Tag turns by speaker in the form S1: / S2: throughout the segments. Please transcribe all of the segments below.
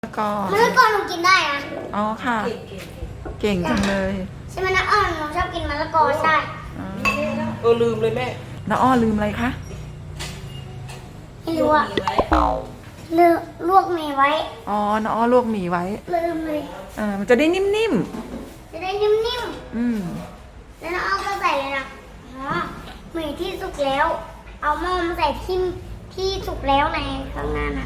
S1: มะละกอ
S2: มะละกอหนูกินได้นะ
S1: อ๋อค่ะ เก่งจังเลย
S2: ใช่ไหมนะหนูชอบกินมะละกอใช่
S3: ลืมเลยแม่
S1: น้าอ้อลืมอะไรคะ
S2: ไม่รู้อะลืมลวกหมี่ไว้
S1: อ๋อน้าอ้อลวกหมี่ไว้
S2: ลืมเลย
S1: มันจะได้นิ่ม
S2: จะได้นิ่ม
S1: ๆ
S2: แล้วน้าอ้อก็ใส่เลยนะหมี่ที่สุกแล้ว เอาหม้อมาใส่ที่สุกแล้วในข้างหน้านะ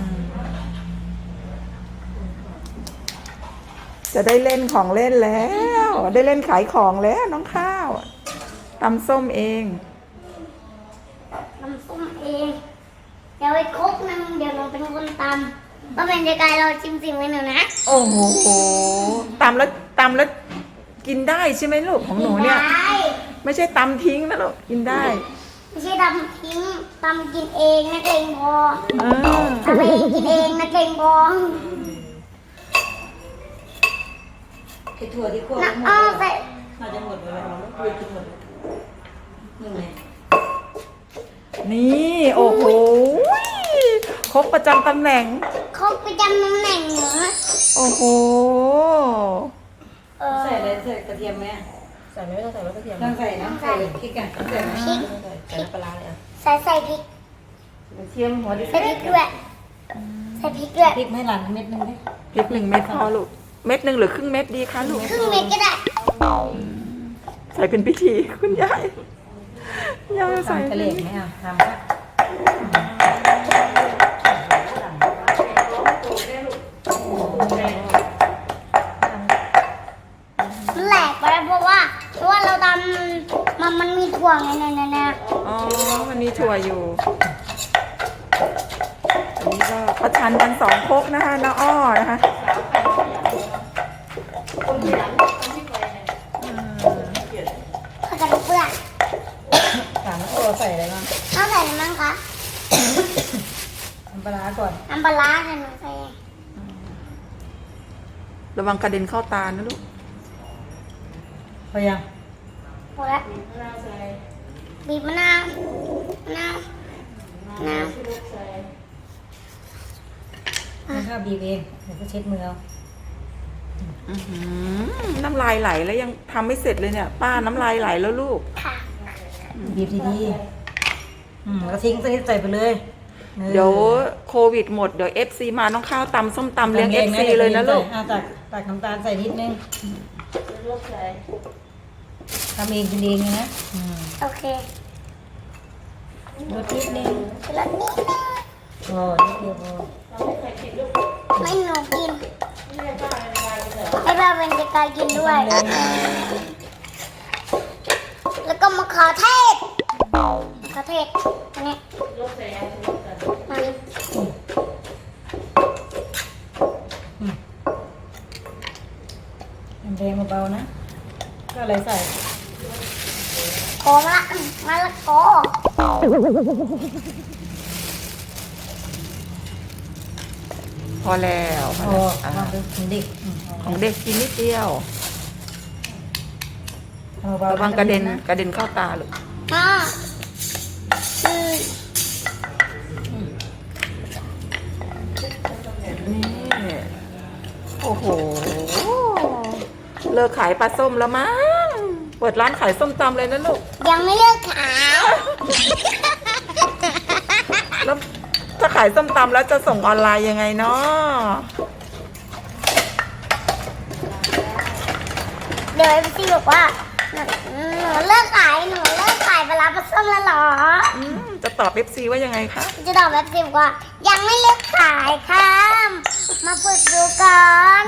S1: จะได้เล่นของเล่นแล้ว ได้เล่นขายของแล้วน้องข้าวตำส้มเอง
S2: ตำส้มเองเดี๋ยวไปครกนึงเดี๋ยวเราเป็นคนตำก็เป็นเด็กไก่เราจิ้มไว้หนูนะ
S1: โอ้โหตำแล้วกินได้ใช่ไหมลูกของหนูเนี่ยไม่ใช่ตำทิ้งนะลูกกินได้
S2: ไม่ใช่ตำทิ้งตำกินเองนักเลงพอตำเองกินเองนักเลงพอ
S3: ไอ้ถั่วที่คั่ว
S2: หมดเลย
S3: น่าจะหมดเลยเราคุยกินหมดนี่ไง
S1: นี่โอ้โหครกประจำตำแหน่ง
S2: ครกประจำตำแหน่งเหรอ
S1: โอ้โห
S3: ใส่อะไรใส่กระเทียมไหมใส่ไม่ต้องใส่กระเทียมต้องใส่นะใส่พริกอ่ะใส่พริกใส่ปลาเลยอ่ะ
S2: ใส่พริก
S3: กระเทียมหัวดิ
S2: ใส่พริกด้วยใส่พริกด้วย
S3: พริกไม่หลั่นเม็ดนึงไหม
S1: พริก1 เม็ดพอลูกเม็ด1หรือครึ่งเม็ดดีคะลูก
S2: ครึ่งเม็ดก็ได้
S1: ใส่เป็นพิธีคุณยายใส่
S3: กระเหล็กไหมอ่ะทำ
S2: มันแหลกไปแล้วเพราะว่าเราทำมันมีถั่วไงเนี่ย
S1: อ๋อมันมีถั่วอยู่อันนี้ก็ประชันกัน2 ครกนะคะน้าอ้อนะคะ
S2: ผักกระดูกเปื่อย
S3: ถามว่าใส่อะไรบ้าง
S2: เอาใส่อะไรบ้างคะ
S3: น้ำปลาก่อน
S2: น้ำปลาค่ะหนูใส่
S1: ระวังกระเด็นเข้าตานะลูก
S3: พอยัง
S2: หมดแล้วบีบมะนาว
S3: ข้าวบีบเองเดี๋ยวก็เช็ดมือเอา
S1: น้ำลายไหลแล้วยังทำไม่เสร็จเลยเนี่ยป้าน้ำลายไหลแล้วลูก
S3: บีบดีๆแล้วทิ้งใส่ไปเลย
S1: เดี๋ยวโควิดหมดเดี๋ยว FC มาน้องข้าวตำส้มตำเลี้ยง FC เลยนะลูก
S3: ตักน้ำตาลใส่นิดนึงทำเองกินเองนะ
S2: โอเค
S3: รสนิดนึง
S2: รสนิดนึง
S3: โอ้นิดเดียวพอ
S2: ไม่หนูกินให้ป้าเป็นเด็กกายกินด้วยแล้วก็มะเขือเทศอันนี้
S3: แดงเบาๆนะก็อะไรใส่
S2: โอ้มะละกอ
S1: พอแล้ว
S3: ของเด็ก
S1: กินนิดเดียวระวังกระเด็นเข้าตาลูกนี่โอ้โหเลิกขายปลาส้มแล้วมั้งเปิดร้านขายส้มตำเลยนะลูก
S2: ยังไม่เลิกขาย
S1: แล้วถ้าขายส้มตำแล้วจะส่งออนไลน์ยังไงเนาะ
S2: เดี๋ยวพี่บอกว่าหนูเลิกขายปลาส้มแล้วหรอ
S1: จะตอบ FC ว่ายังไงคะ
S2: จะตอบแบบพี่บอกว่ายังไม่เลิกขายค่ะมาฝึกดูก่อน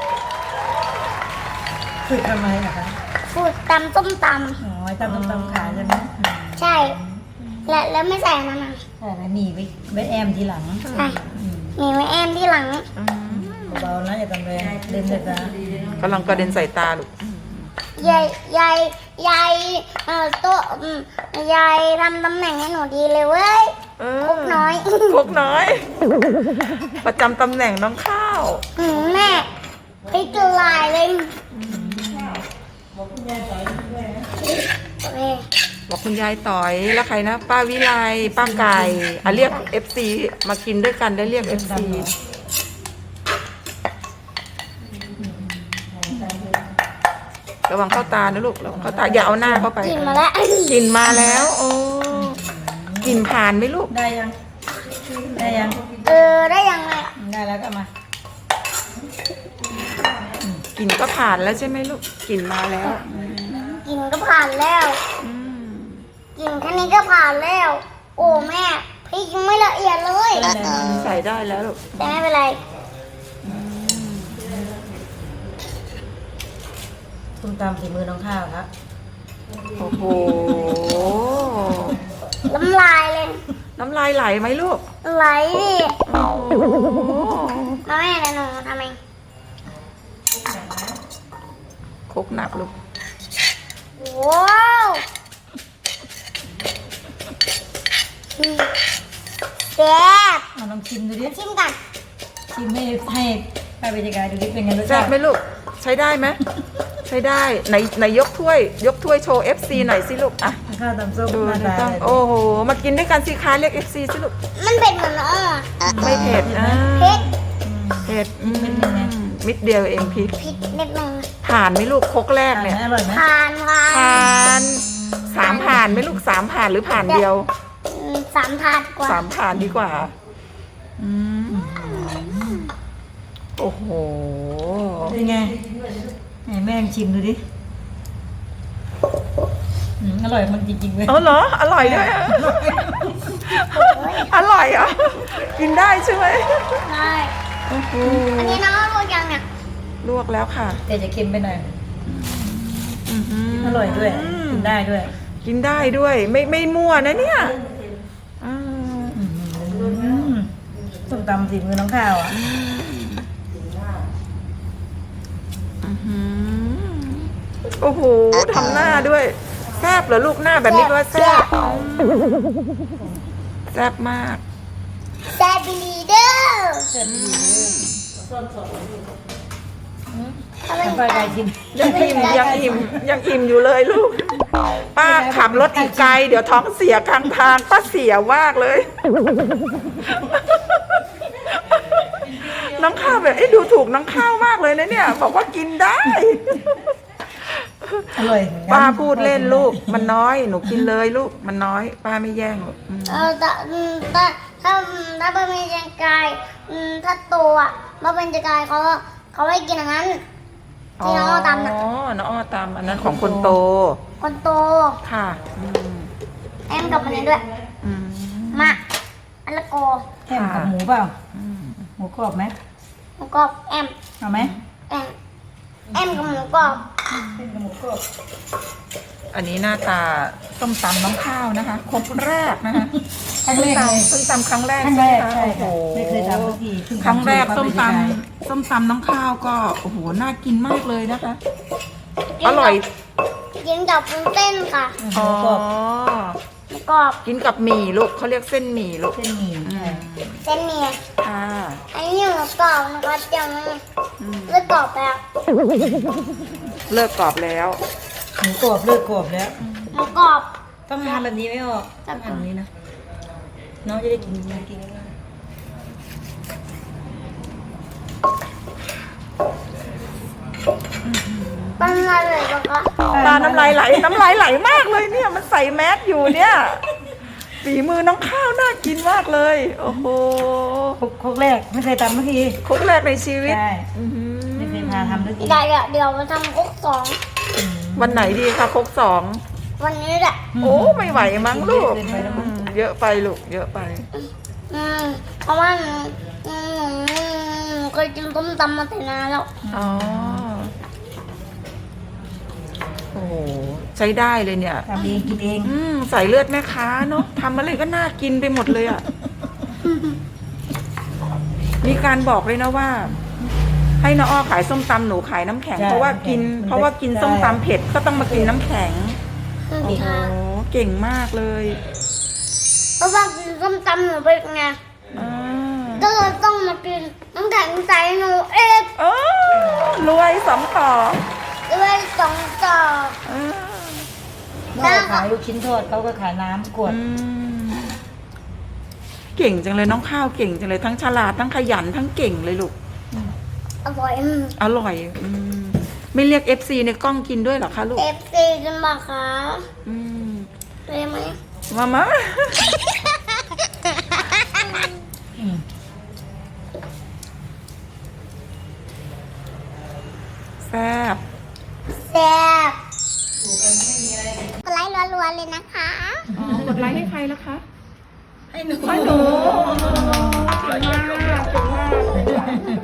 S3: ฝึกทำไมอะคะ
S2: ฝึกตำส้มตำ
S3: อ๋อตำส้มตำขายใช่ไหม
S2: ใช่แล้วไม่ใส่นั่นนะ
S3: ใช่หนีไว้แอมทีหลัง
S2: ใช่หนีไว้แอมทีหลัง
S3: เบาๆนะอย่าทำแรงเดินเลยจ้ะ
S1: กำลังกระเด็นใส่ตาลูก
S2: ยายตัวยายทำตำแหน่งให้หนูดีเลยเว้ยคุกน้อย
S1: ประจำตำแหน่งน้องข้าว
S2: แม่พริกละลายเลย
S1: บอกคุณยายต่อยแล้วใครนะป้าวิไลป้าไก่เรียก FC มากินด้วยกันได้เรียก FC ระวังเข้าตานะลูกระวังเข้าตาอย่าเอาหน้าเข้าไป
S2: กินมาแล้ว
S1: กลิ่นมาแล้วโอ้กลิ่นผ่านไหมลูก
S3: ได้ยัง ได้ยัง
S2: ได้ยังไง
S3: ได้แล้วก็มาก
S1: ลิ่นก็ผ่านแล้วใช่ไหมลูกกลิ่นมาแล้ว
S2: กินก็ผ่านแล้ว
S1: อืม
S2: กินแค่นี้ก็ผ่านแล้ว โอ้แม่พริกยังไม่ละเอียดเลย
S1: ใส่ได้แล้วลูก
S2: แต่ไม่เป็นไร
S3: ส้มตำฝีมือน้องข้าวครับ
S1: โอ้โห
S2: น้ำลายเลย
S1: น้ำลายไหลไหมลูก
S2: ไหลดิ
S1: โอ้โห
S2: มาแม่เดี๋ยวหนูทำเอง
S1: คกหนักลูก
S2: ว้าวแซ่บ
S3: เอาลองชิมดูดิ
S2: ชิมกัน
S3: ชิมให้ป้าบรรยากาศดูดิเป็นไงรส
S1: แซ่
S3: ชา
S1: บ
S3: ติ
S1: ไหมลูกใช้ได้ไหมใช้ได้ไหนยกถ้วยโชว์ FC หน่อยสิลูกอ่ะ
S3: ข้าวตำส้ม
S1: ดู
S3: หน้า
S1: นะ
S3: ตา
S1: ต้องโอ้โหมากินด้วยกันสิคะเรียก FC สิลูก
S2: มันเป็นเหมือนอ้อ
S1: ไม่เผ็ดอ่า
S2: พริก
S1: เผ็ดมิดเดียวเองพริก
S2: พริกนิดนึง
S1: ผ่านไหมลูกคกแรก
S3: อร่อย
S1: เนี่ย
S3: ไหมอร่อยไหม
S2: ผ่านผ่าน
S1: ผ่าน3ผ่านไหมลูก3ผ่านหรือผ่านเดียว
S2: สามถาดกว่า
S1: 3ผ่านดีกว่าอืมโอ้โห
S3: เป็นไงให้แม่งชิมดูดิอร่อยมันจริงๆเลย
S1: เอาเหรออร่อยด้วยเหรออร่อยเหรอกินได้ใช่ไหม
S2: ใช่
S1: โอ้โห
S2: อันนี้น้องรู้ยังเนี่ย
S1: ลวกแล้วค่ะ
S3: แต่จะเค็มไปหน่อย
S1: อื้อหื
S3: อร่อยด้วยกินได้ด้วย
S1: กินได้ด้วยไม่มั่วนะเนี่ยอ่า
S3: ส้มตำฝีมือน้องข้าวอ่ะ
S1: อื้อหือโอ้โหทำหน้าด้วยแซ่บเหรอลูกหน้าแบบนี้ก็ว่าแซ่บแซ่บมาก
S2: แซ่บบิลีเดอร์
S3: น้ำปลาไก่ชิม
S1: ยังอิ่มอยู่เลยลูก ป้าขับรถอีกไกลเดี๋ยวท้องเสียกลางทางป้าเสียมากเลย น้องข้าวแบบดูถูกน้องข้าวมากเลยนะเนี่ย บอกว่ากินได้
S3: อร่อยเหมือนกัน
S1: ป้าพูดเล่นลูกมันน้อยหนูกินเลยลูกมันน้อย ป้าไม่แย่งหรอก
S2: ถ้าเป็นจักรถ้าโตอ่ะมาเป็นจักรเขาให้กินอย่างนั้นที่น้องอ้อตำน่ะ
S1: อ๋อน้องอ้อตำอันนั้นของคนโต
S2: คนโต
S1: ค่ะม
S2: แอมกับมันนี้ด้วย
S1: อืม
S2: มาอันละโก
S3: แค่กับหมูเปล่าหมูกรอบไหม
S2: หมูกรอบแอม
S3: เอาไหม
S2: แอมกับหมูกรอบ
S3: เป็นกับหมูกรอบ
S1: อันนี้หน้าตาส้มตำน้องข้าวนะคะครบแรกนะคะ
S3: ครั้งแรกเลย
S1: ส้มตำครั้งแรก
S3: ครั้งแรก
S1: ใช่
S3: ใช่
S1: ไหมคะโอ้โห
S3: ค่ะไม่เคยทำสักทีเพิ่งทำ
S1: ครั้งแรก
S3: สู
S1: ส้
S3: ต
S1: ม
S3: ป้า
S1: ต
S3: บรรยากาศ
S1: ำส้มตำน้องข้าวก็โอ้โหน่ากินมากเลยนะคะ อร่อย
S2: กินกับวุ้นเส้นค่ะ
S3: ห
S1: อ๋
S3: มู
S1: อก
S3: รอบ
S2: หมูกรอบ
S1: กินกับหมี่ลูกเขาเรียกเส้นหมี่ลูก
S3: เส้นหมี่
S1: อืม
S2: เส้นเมีย
S1: ค่ะ
S2: อันนี้หมูกรอบนะคะเดี๋ยวมัน
S1: อืม
S2: เลือดกรอบแล้ว
S1: เลิกกรอบแล้ว
S3: หมูกรอบเลือดกรอบแล้ว
S2: หมูกรอบ
S3: ต้องทำแบบนี้ไม่ออกต้องทำแบบนี้นะน้องจะได้กินง่าย
S2: เป็นอะไรเลยปะคะ
S1: ตาน้ำลายไหลมากเลยเนี่ย มันใส่แมสอยู่เนี่ยฝีมือน้องข้าวน่ากินมากเลย โอ้โห
S3: ครกแรกไม่เคยทำสักที
S1: ครกแรกในชีวิต
S3: ใช่
S1: อื้อหือ
S3: ไม่เคยพาทำสักที
S2: เดี๋ยวมาทำคุกสอง
S1: วันไหนดีคะครก2
S2: วันนี้แหละ
S1: โอ้ไม่ไหวมั้งลูกเยอะไปลูกเยอะไป
S2: เพราะว่าเคยกินต้มตำมาแต่นานแล้ว
S1: อ๋อโอ้โหใช้ได้เลยเนี่ย
S3: ทำเองกินเอง
S1: ใส่เลือดแม่ค้าเนาะทำอะไรก็น่ากินไปหมดเลยอ่ะ มีการบอกเลยนะว่า ให้น้าอ้อขายส้มตำหนูขายน้ำแข็ง เพราะว่ากินส้มตำเผ็ดก็ต้องมากินน้ำแข็ง โอ้โหเก่งมากเลย
S2: เพราะว่ากินส้มตำหนูเป็นไง
S1: อ่า
S2: ก็เลยต้องมากินน้ำแข็งใส่หนูเอง
S1: โอ้รวยสองต่อ
S2: ด้วยสองต่อ
S1: อ่า
S3: นอกจากขายลูกชิ้นทอดเขาก็ขายน้ำขวด
S1: อืมเก่งจังเลยน้องข้าวเก่งจังเลยทั้งฉลาดทั้งขยันทั้งเก่งเลยลูก
S2: อร่อย
S1: อร่อยไม่เรียก FC ในกล้องกินด้วยเหรอคะลูก
S2: เอฟซีกันบอกคะ
S1: อืม
S2: เลยไหม
S1: มา แซ่บ
S2: แซ่บกดไลค์รัวๆเลยนะคะ
S1: กดไลค์ให้ใครแล้วคะ
S3: ให้หนู
S1: ให้หนูเก่งมากเก่งมาก